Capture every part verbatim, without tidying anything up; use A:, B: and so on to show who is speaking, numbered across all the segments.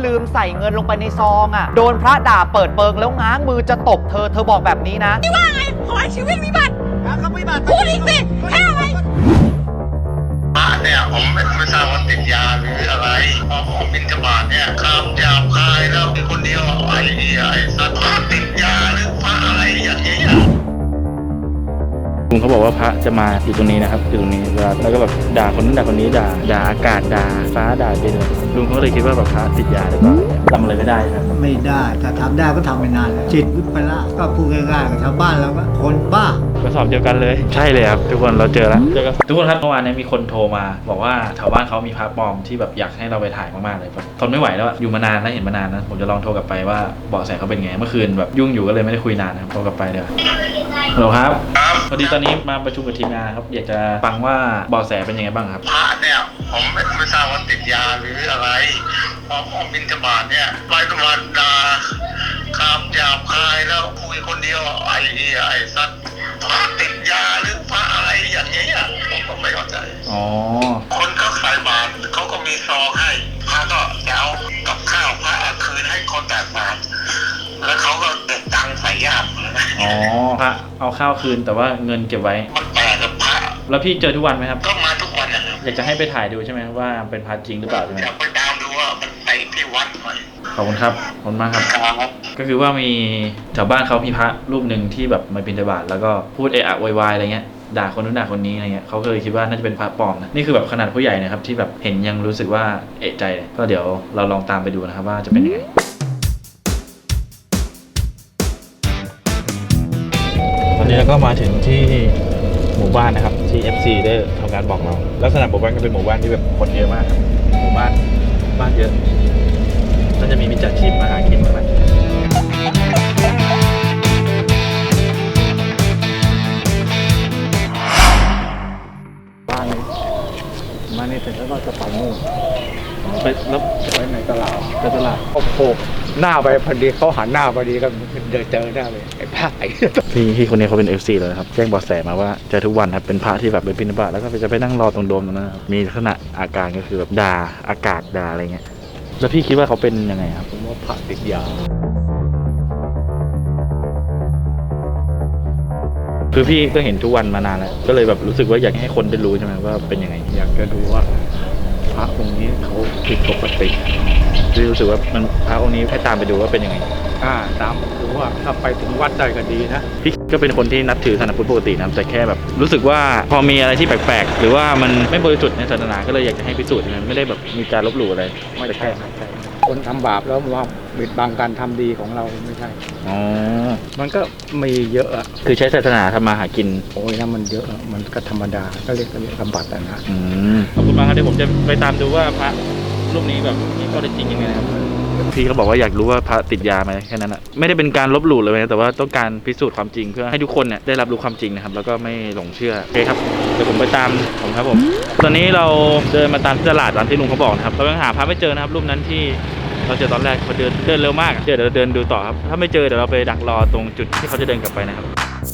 A: ลืมใส่เงินลงไปในซองอ่ะโดนพระด่าเปิดเปิงแล้วง้างมือจะตบเธอเธอบอกแบบนี้นะ
B: ที่ว่าไงขอให้ชีวิตวิบัติพูดอีกสิแค่อะไร
C: พระเนี่ยผมไม่ไม่ทราบว่าติดยาหรืออะไรพอผมบิณฑบาตเนี่ยคำหยาบคายแล้วมีคนเดียวไอ้ไอ้สัตว์ติดยาหรือพระอะไรอย่างเงี้ย
D: ลุงเขาบอกว่าพระจะมาอยู่ตรงนี้นะครับอยู่ตรงนี้แล้วก็แบบด่าคนนั้นด่าคนนี้ด่าด่าอากาศด่าฟ้าด่าดินลุงเขาเลยคิดว่าแบบพระติดยาหรือเปล่าทำอะไรไม่ได้ครับ
E: ไม่ได้ถ้าทำได้ก็ทำไม่นานแล้วจิตวิปลาสก็พูดง่ายๆกับชาวบ้านเราก็คนบ้าก
D: ระสอบเดียวกันเลยใช่เลยครับทุกคนเราเจอแล้วเจอกันทุกคนครับเมื่อวานนี้มีคนโทรมาบอกว่าแถวบ้านเขามีพระปลอมที่แบบอยากให้เราไปถ่ายมากๆเลยแบบทนไม่ไหวแล้วอยู่มานานนะเห็นมานานนะผมจะลองโทรกลับไปว่าเบาะแสเขาเป็นไงเมื่อคืนแบบยุ่งอยู่ก็เลยไม่ได้คุยนานนะครับโทรกลับไปเดี๋ยวฮัลโหลครับพอดีตอนนี้มาประชุมกับทีมงานครับอยากจะฟังว่าเบาะแสเป็นยังไงบ้างครับ
C: พระเนี่ยผมไม่ไม่ทราบว่าติดยาหรืออะไรพอผมบิณฑบาตเนี่ยไปธรรมดาคำหยาบคายแล้วคุยคนเดียวไอ้ไอ้สัตว์พระติดยาหรือพระอะไรอย่างเงี้ยผมก็ไม่เข้าใจ
D: อ๋อ
C: คนก็ใส่บาตรเขาก็มีซองให้พระก็จะเอากับข้าวพระคืนให้คนแตกบาตรแล้วเขาก็เก็บตังค์ใส่ญาติ
D: อ๋อพระเอาข้าวคืนแต่ว่าเงินเก็บไว้
C: มันแปลกกับพระ
D: แล้วพี่เจอทุกวันไหมครับ
C: ก็มาทุกวันนะครับ
D: อยากจะให้ไปถ่ายดูใช่ไหมว่าเป็นพระจริงหรือเปล่าใช่ไหม
C: อยากไปตามดูว่ามันไปที่วัดหน่อย
D: ขอบคุณครับขอบคุณมากครับก็คือว่ามีแถวบ้านเขามีพระรูปหนึ่งที่แบบมาบิณฑบาตแล้วก็พูดเอะอะวายอะไรเงี้ยด่าคนนู้นด่าคนนี้อะไรเงี้ยเขาก็เลยคิดว่าน่าจะเป็นพระปลอมนะนี่คือแบบขนาดผู้ใหญ่นะครับที่แบบเห็นยังรู้สึกว่าเอะใจเลยก็เดี๋ยวเราลองตามไปดูนะครับว่าจะเป็นยังไงตอนนี้เราก็มาถึงที่หมู่บ้านนะครับที่ เอฟ ซี ได้ทำการบอกเราลักษณะหมู่บ้านก็เป็นหมู่บ้านที่แบบคนเยอะมากครับหมู่บ้านบ้านเยอะน่าจะมีมิจฉาชีพมาหากินกันบ้านนี้มานี่เสร็จแล้วก็จะไปนู่นไปแล้วไปไหนตลาดไปตลาด
E: โอ้โหหน้าไปพอดีเขาหันหน้าพอดีก็เดินเจอหน้าเลยไอ้พระไอ้
D: พี่พี่คนนี้เขาเป็น เอฟ ซี เลยครับแจ้งเบาะแสมาว่าเจอทุกวันครับเป็นพระที่แบบไปบิณฑบาตแล้วก็จะไปนั่งรอตรงโดมตรงนั้นมีลักษณะอาการก็คือแบบด่าอากาศด่าอะไรเงี้ยแล้วพี่คิดว่าเขาเป็นยังไงครับ
E: ผมว่าพระติดยา
D: คือพี่ก็เห็นทุกวันมานานแล้วก็เลยแบบรู้สึกว่าอยากให้คนได้รู้ใช่ไหมว่าเป็นยังไง
E: อยากจะดูว่าพระองค์นี้เขาผิดปกติ
D: พี่รู้สึกว่ามันพระองค์นี้ให้ตามไปดูว่าเป็นยังไง
E: อ่าตามดูว่าถ้าไปถึงวัดได้ก็ดีนะ
D: พี่ก็เป็นคนที่นับถือศาสนาพุทธปกตินะแต่แค่แบบรู้สึกว่าพอมีอะไรที่แปลกๆหรือว่ามันไม่บริสุทธิ์ในศาสนาก็เลยอยากจะให้พิสูจน์นะไม่ได้แบบมีการลบหลู่อะไร
E: ไม่ใช่คนทำบาปแล้วว่าบิดบังการทำดีของเราไม่ใช่
D: อ๋อ
E: มันก็มีเยอะอะ
D: คือใช้ศาสนาทำมาหากิน
E: โอ้ยนะมันเยอะมันก็ธรรมดาก็เรียกเรียกกำบัดนะ
D: อืมขอบคุณมากครับเดี๋ยวผมจะไปตามดูว่าพระรูปนี้แบบมีข้อเท็จจริงยังไงนะครับพี่เขาบอกว่าอยากรู้ว่าพระติดยาไหมแค่นั้นแหละไม่ได้เป็นการลบหลู่เลยนะแต่ว่าต้องการพิสูจน์ความจริงเพื่อให้ทุกคนเนี่ยได้รับรู้ความจริงนะครับแล้วก็ไม่หลงเชื่อโอเคครับเดี๋ยวผมไปตามผมครับผมตอนนี้เราเดินมาตามตลาดตามที่ลุงเขาบอกนะครับเรายังหาพระไม่เจอนะครับรูปนั้นที่เราเจอตอนแรกเขาเดินเดินเร็วมากเดี๋ยวเราเดินดูต่อครับถ้าไม่เจอเดี๋ยวเราไปดักรอตรงจุดที่เขาจะเดินกลับไปนะครับ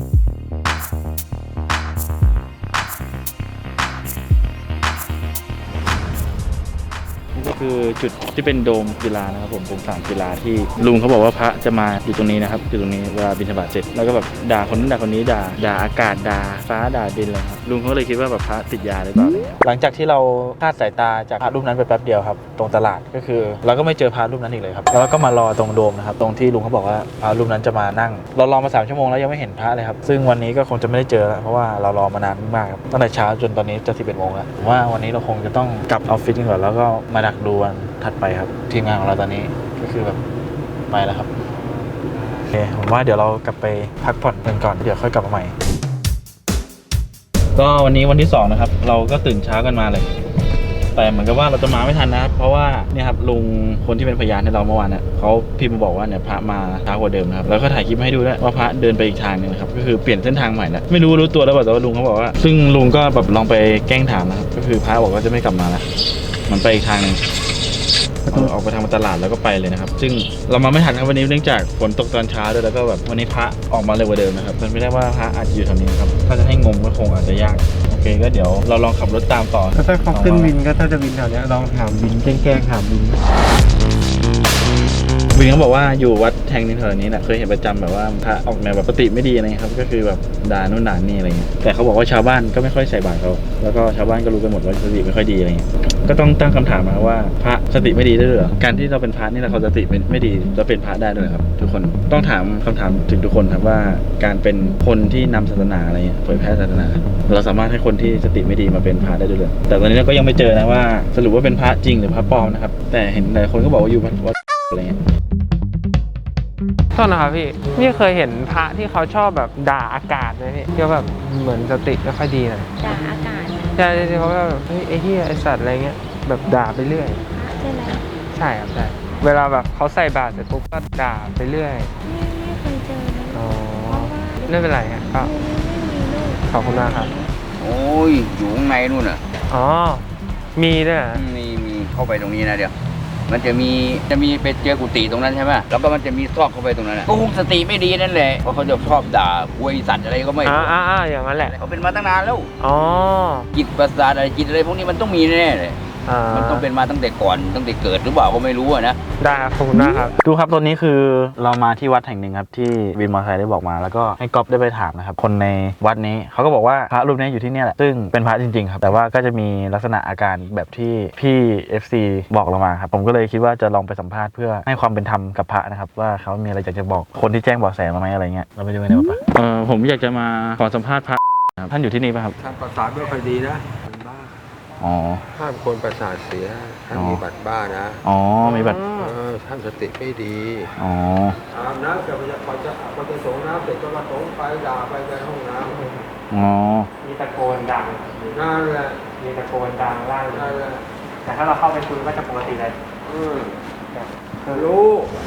D: ก็คือจุดที่เป็นโดมกีฬานะครับผมเป็นสนามกีฬาที่ลุงเขาบอกว่าพระจะมาอยู่ตรงนี้นะครับอยู่ตรงนี้เวลาบิณฑบาตเสร็จแล้วก็แบบด่าคนนั้นด่าคนนี้ด่าด่าอากาศด่าฟ้าด่าดินเลยครับลุงเขาเลยคิดว่าแบบพระติดยาหรือเปล่าหลังจากที่เราคลาดสายตาจากพระรูปนั้นไปแป๊บเดียวครับตรงตลาดก็คือเราก็ไม่เจอพระรูปนั้นอีกเลยครับแล้วก็มารอตรงโดมนะครับตรงที่ลุงเขาบอกว่าพระรูปนั้นจะมานั่งเรารอมาสามชั่วโมงแล้วยังไม่เห็นพระเลยครับซึ่งวันนี้ก็คงจะไม่ได้เจอแล้วเพราะว่าเรารอมานานมากครับตั้งแต่เช้าจนตอนนี้จะสิบเอ็ดโมงแล้วว่าวันนี้เราคงจะต้องกลับออฟฟิศกันก่อนแล้วก็มาดักดูวันถัดไปครับทีมงานของเราตอนนี้ก็คือแบบไปแล้วครับโอเคผมว่าเดี๋ยวเรากลับไปพักผ่อนกันก่อนเดี๋ยวค่อยกลับมาใหม่ก็วันนี้วันที่สองนะครับเราก็ตื่นเช้ากันมาเลยแต่เหมือนกับว่าเราจะมาไม่ทันนะครับเพราะว่าเนี่ยครับลุงคนที่เป็นพยานให้เราเมื่อวานเนี่ยเขาพิมพ์มาบอกว่าเนี่ยพระมาช้ากว่าเดิมนะครับแล้วก็ถ่ายคลิปให้ดูด้วยว่าพระเดินไปอีกทางนึงนะครับก็คือเปลี่ยนเส้นทางใหม่แล้วไม่รู้รู้ตัวแล้วแต่ว่าลุงเขาบอกว่าซึ่งลุงก็แบบลองไปแกล้งถามนะครับก็คือพระบอกว่าจะไม่กลับมาแล้วมันไปอีกทางนึงออกไปทางตลาดแล้วก็ไปเลยนะครับซึ่งเรามาไม่ทันครับวันนี้เนื่องจากฝนตกตอนเช้าด้วยแล้วก็แบบวันนี้พระออกมาเร็วกว่าเดิมนะครับมันไม่ได้ว่าพระอาจจะอยู่แถวนี้ครับถ้าจะให้งมก็คงอาจจะยากโอเคก็เดี๋ยวเราลองขับรถตามต่อ
E: ถ้าเขาขึ้นวินก็ถ้าจะวินแถวนี้ลองถามวินแกล้งๆถามวิน
D: วินเขาบอกว่าอยู่วัดแห่งหนึงแถวนี้แหละเคยเห็นประจำแบบว่าพระออกแนวแบบสติไม่ดีอะไรเงี้ยครับก็คือแบบด่านู่นด่านี่อะไรเงี้ยแต่เขาบอกว่าชาวบ้านก็ไม่ค่อยใส่บาตรเขาแล้วก็ชาวบ้านก็รู้กันหมดว่าสติไม่ค่อยดีอะไรเงี้ยก็ต้องตั้งคำถามมาว่าพระสติไม่ดีได้หรือการที่เราเป็นพระนี่เราเขาสติไม่ดีจะเป็นพระได้ด้วยครับทุกคนต้องถามคำถามถึงทุกคนครับว่าการเป็นคนที่นำศาสนาอะไรเงี้ยเผยแพร่ศาสนาเราสามารถให้คนที่สติไม่ดีมาเป็นพระได้ด้วยหรือแต่ตอนนี้เราก็ยังไม่เจอนะว่าสรุปว่าเป็นพระจริงหรือพระปลอมนะครับแต่เห็นหลายคนก็บอกว่าอยู่วัดอะไรเงี้ย
F: โทษนะครับพี่นี่เคยเห็นพระที่เขาชอบแบบด่าอากาศไหมพี่ที่เขาแบบเหมือนสติไม่ค่อยดีหน่อย
B: ด่าอากาศ
F: ใช่ที่เขาแบบเฮ้ยไอ้เหี้ยไอ้สัตว์อะไรเงี้ยแบบด่าไปเรื่อย
B: ใช่ไหม
F: ใช่ครับใช่เวลาแบบเขาใส่บาตรเสร็จปุ๊บก็ด่าไปเรื่อย
B: ไม่ไม่เคยเจอนะ
F: อ๋อ
B: เพราะว่า
F: ไม่เป็นไรครับก็
B: ไม่มีลูก
F: ขอบคุณมากครับ
G: โอ้ยอยู่ข้างในนู่นน่ะ
F: อ๋อมีด้วยเหรอ
G: มีมีเข้าไปตรงนี้นะเดี๋ยว มันจะมีจะมีไปเจอกุฏิตรงนั้นใช่ไหมแล้วก็มันจะมีซอกเข้าไปตรงนั้นน่ะก็คงสติไม่ดีนั่นแหละเพราะเขาจะชอบด่าอวยสัตว์อะไรก็ไม่
F: อ่า
G: รู้
F: อ่าอ่าอย่างนั้นแหละ
G: เขาเป็นมาตั้งนานแล้ว
F: อ๋อ
G: จิตประสาทอะไรจิตอะไรพวกนี้มันต้องมีแน่ๆเลย
F: อ่า
G: มันต้องเป็นมาตั้งแต่ก่อนตั้งแต่เกิดหรือเปล่าก็ไม่รู้อะนะ
F: ได้ครับขอบคุณมากครับ
D: ดูครับตอนนี้คือเรามาที่วัดแห่งหนึ่งครับที่วินมอเตอร์ไซค์ได้บอกมาแล้วก็ให้ก๊อฟได้ไปถามนะครับคนในวัดนี้เขาก็บอกว่าพระรูปนี้อยู่ที่เนี่ยแหละซึ่งเป็นพระจริงๆครับแต่ว่าก็จะมีลักษณะอาการแบบที่พี่ เอฟ ซี บอกเรามาครับผมก็เลยคิดว่าจะลองไปสัมภาษณ์เพื่อให้ความเป็นธรรมกับพระนะครับว่าเขามีอะไรอยากจะบอกคนที่แจ้งเบาะแสมาไหมอะไรเงี้ยเราไปดูกันดีกว่าเออผมอยากจะมาขอสัมภาษณ์พระท่านอยู่ที่นี่ป่ะครับ
H: ท่านประสาทไม่ค่อยดีนะเป็นบ้า
D: อ๋อ
H: ห้ามคนประสาทเสียท่าน
D: อ๋อ
H: มีบัตรบ้านะ
D: อ๋อมีบัตร
H: เออท่านสติไม่ดี
D: อ๋อ
H: อาบน้ำเสร็จพอจะพอจะพอจะสงน้ำเสร็จก็มาสงไปด่าไปในห้องน้
D: อ๋อ
F: มีตะโกนดัง
H: ำนั่นแหละ
F: มีตะโกนดังล่าง
H: นั่นแหละ
F: แต่ถ้าเราเข้าไปคุยก็จะปกติเลย
H: อืมรู้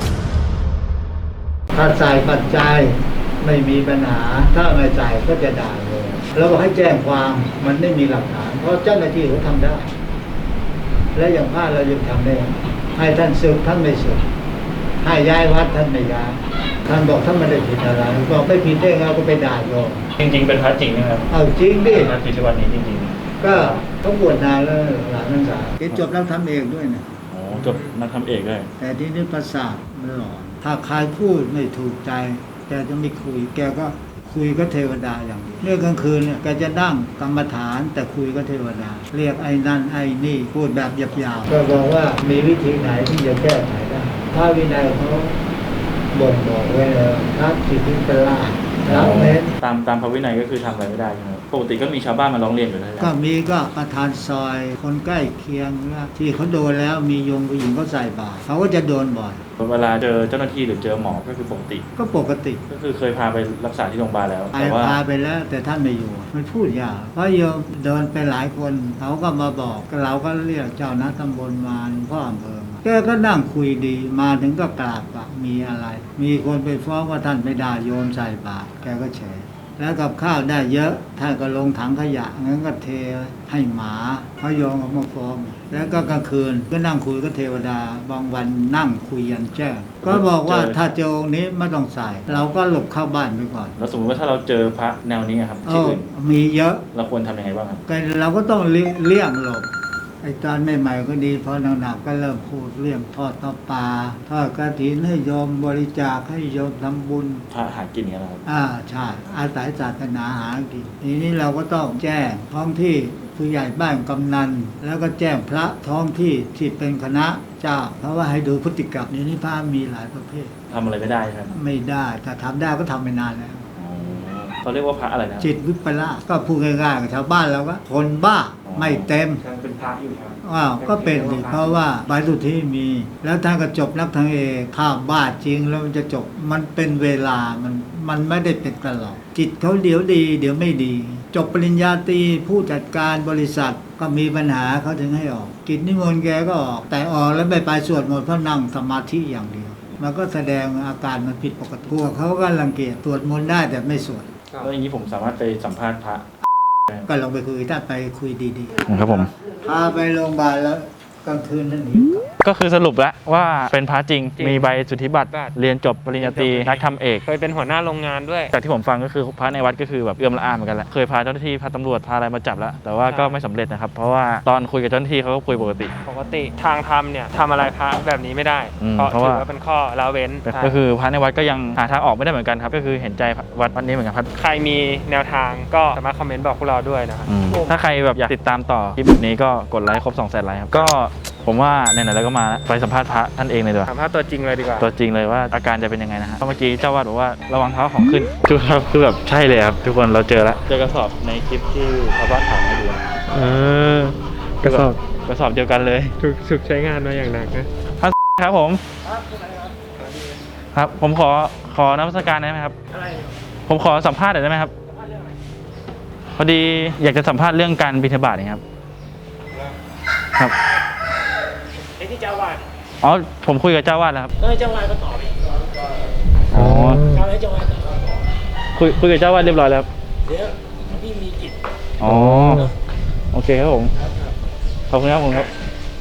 E: ถ้าใส่ปัจจัยไม่มีปัญหา ถ้าไม่ใส่ก็จะด่าเลยแล้วก็ให้แจ้งความมันไม่มีหลักฐาน เพราะเจ้าหน้าที่เขาทำได้ และอย่างพลาดเรายังทำได้ ให้ท่านสึกท่านไม่สึกให้ย้ายวัดท่านไม่ย้ายท่านบอกท่านไม่ได้ผิดอะไรบอกไม่ผิดได้ไงก็ไปด่าโยม
D: จริงๆเป็นพระจริงนะครับ
E: เอาจริงดิ
D: พระที่วัดนี้จริง
E: ก็เขาบวชนานแล้วหลานนักศึกษาเรียนจบแล้วทำเองด้วยนะ
D: ๆอ๋อจบนักทำเอกเลย
E: แต่ที่นี่ประสาทมันหลอนถ้าใครพูดไม่ถูกใจ แกจะไม่คุย แกก็คุยก็เทวดาอย่างเดียวเรื่องกลางคืนเนี่ยแกจะนั่งกรรมฐานแต่คุยก็เทวดา เรียกไอ้นั่นไอ้นี่พูดแบบหยาบๆก็บอกว่ามีวิธีไหนที่จะแก้ไขได้ถ้าวินัยเขาบ่งบอกไว้แล้วถ้าจิตวิปลาสแล้วเม้น
D: ตามตามพระวินัยก็คือทำอะไรไม่ได้ใช่ไหมครับปกติก็มีชาวบ้านมาร้องเรียนอยู่แล้ว
E: ก็มีก็ประธานซอยคนใกล้เคียงนะที่เขาโดนแล้วมีโยมผู้หญิงเขาใส่บาตรเขาก็จะโดนบ่อย
D: เวลาเจอเจ้าหน้าที่หรือเจอหมอก็คือปกติ
E: ก็ปกติ
D: ก็คือเคยพาไปรักษาที่โรงพยาบาลแล้ว
E: ไป
D: แต่ว่า
E: พาไปแล้วแต่ท่านไม่อยู่ มันพูดยากเพราะโยมเดินไปหลายคนเขาก็มาบอกเราก็เรียกเจ้าหน้าตำบลมาหลวงพ่ออำเภอมาแกก็นั่งคุยดีมาถึงก็กราบว่ามีอะไร มีคนไปฟ้องว่าท่านไปด่าโยมใส่บาตรแกก็เฉยแล้วกับข้าวได้เยอะท่านก็ลงถังขยะงั้นก็เทให้หมาเขาโยมเอามาฟ้องแล้วก็กลางคืนก็นั่งคุยกับเทวดาบางวันนั่งคุยยันแจ้งก็บอกว่าถ้าเจอองค์นี้ไม่ต้องใส่ เราก็หลบเข้าบ้านไปก่อน
D: แล้วสมมติว่าถ้าเราเจอพระแนวนี้อะครับ
E: เอ
D: ที่
E: อ
D: อื่น
E: มีเยอะ
D: เราควรทำยังไงบ้างครับ
E: ก็เราก็ต้องเลี่ยเลี่ยงหลบไอ้ตอนใหม่ๆก็ดีพอหนักๆก็เริ่มพูดเรื่องทอดต่อปลาทอดกฐินให้โยมบริจาคให้โยมทำบุญ
D: พระหากินอย่างนี้ยนะครับ
E: อ่าใช่อาศัยศาสนาหากินทีนี้เราก็ต้องแจ้งท้องที่ผู้ใหญ่บ้านกำนัน แล้วก็แจ้งพระท้องที่ที่เป็นคณะเจ้า เพราะว่าให้ดูพฤติกรรมนี้นี่พระมีหลายประเภท
D: ทำอะไรไม่ได้ครับ
E: ไม่ได้ถ้าทำได้ก็ทำไปนานแล้ว
D: อ๋อเขาเรียกว่าพระอะไรนะ
E: จิตวิปลาสก็พูดง่ายๆกับชาวบ้านเราก็คนบ้าไม่เต็ม
F: ยังเป็นพระอยู่ครับ
E: อ้าวก็เป็นดิเพราะว่าใบสุทธิมี แล้วท่านก็จบนักทางเอกถ้าบ้าจริงแล้วมันจะจบมันเป็นเวลามันมันไม่ได้เป็นตลอดจิตเขาเดี๋ยวดี เดี๋ยวไม่ดี จบปริญญาตรีผู้จัดการบริษัทก็มีปัญหาเขาถึงให้ออก กิจนิมนต์แกก็ออก แต่ออกแล้วไม่ไปสวดมนต์เพราะนั่งสมาธิอย่างเดียว มันก็แสดงอาการมันผิดปกติพวกเขาก็รังเกียจสวดมนต์ได้แต่ไม่สวด
D: แล้วอย่างนี้ผมสามารถไปสัมภาษณ์พระ
E: ก็ลองไปคุยถ้าไปคุยดี
D: ครับผม
E: ๆพาไปโรงพยาบาลแล้วกลางคืนนั่นหนีกลับ
D: ก็คือสรุปแล้วว่าเป็นพระจริง
F: จริง
D: มีใบสุทธิบัตร
F: บัตร
D: เรียนจบปริญญาตรีนักทำเอก
F: เคยเป็นหัวหน้าโรงงานด้วย
D: จากที่ผมฟังก็คือพระในวัดก็คือแบบเอื้อมละอาเหมือนกันแหละเคยพาเจ้าหน้าที่พาตำรวจพาอะไรมาจับแล้ว แต่ว่าก็ไม่สำเร็จนะครับเพราะว่าตอนคุยกับเจ้าหน้าที่เขาก็คุยปกติ
F: ปกติทางธรรมเนี่ยทำอะไรพระแบบนี้ไม่ได้
D: อืม
F: เพราะ
D: เพราะ
F: ถื
D: ว่า
F: อว่าเป็นข้อละเว้น
D: ก็คือพระในวัดก็ยังหาทางออกไม่ได้เหมือนกันครับก็คือเห็นใจวัดวัดนี้เหมือนกันครับ
F: ใครมีแนวทางก็สามารถคอมเมนต์บอกพวกเราด้วยนะครับ
D: อืมถ้าใครแบบอยากติดตามต่อคลิปแบบนี้ก็กดไลค์ครบสองแสนไลค์ครับก็ผมว่าไหนๆแล้วก็มาไปสัมภาษณ์พระท่านเองเลยดีกว่า
F: ถามภาพตัวจริงเลยดีกว่า
D: ตัวจริงเลยว่าอาการจะเป็นยังไงนะฮะเพราะเมื่อกี้เจ้าวาดบอกว่าระวังเท้าของขึ้นทุกครับคือแบบใช่เลยครับทุกคนเราเจอแล้วเจอกระสอบในคลิปที่ชาวบ้านถามให้ดูนะ
F: เออกระสอบ
D: กระสอบเดียวกันเลย
F: ถูกถูกใช้งานมาอย่างหนักนะครับ
D: ผมครับผมขอขอนมัสการได้ไหมครับผมขอสัมภาษณ์หน่อยได้ไหมครับพอดีอยากจะสัมภาษณ์เรื่องการบิณฑบาตนะครับครับไอ้ที่เจ้าวาดอ๋อผมคุยกับเจ้าวาดแล้วครับเออเจ้าวาดก็ตอบอ๋อคุยคุยกับเจ้าวาดเรียบร้อยแล้วเดี๋ยวพี่มีกิจอ๋อโอเคครับผมขอบคุณครับผมครับ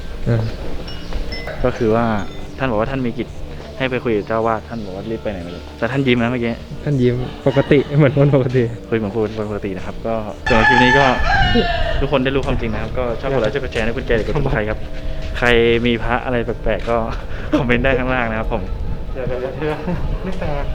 D: ก็คือว่าท่านบอกว่าท่านมีกิจให้ไปคุยกับเจ้าวาดท่านบอกว่ารีบไปไหนไม่รู้แต่ท่านยิ้มนะเมื่อกี้
F: ท่านยิ้มปกติเหมือนคนปกติ
D: คุยเหมือนคนปกตินะครับก็สำหรับคลิปนี้ก็ทุกคนได้รู้ความจริงนะครับก็ชอบกดไลค์ชอบกดแชร์ให้คุณแจหรือกดติดตามครับใครมีพระอะไรแปลกๆก็คอมเมนต์ได้ข้างล่างนะครับผม
F: เดี๋ยวเดี๋ยวเดี๋ยวไม่แปลก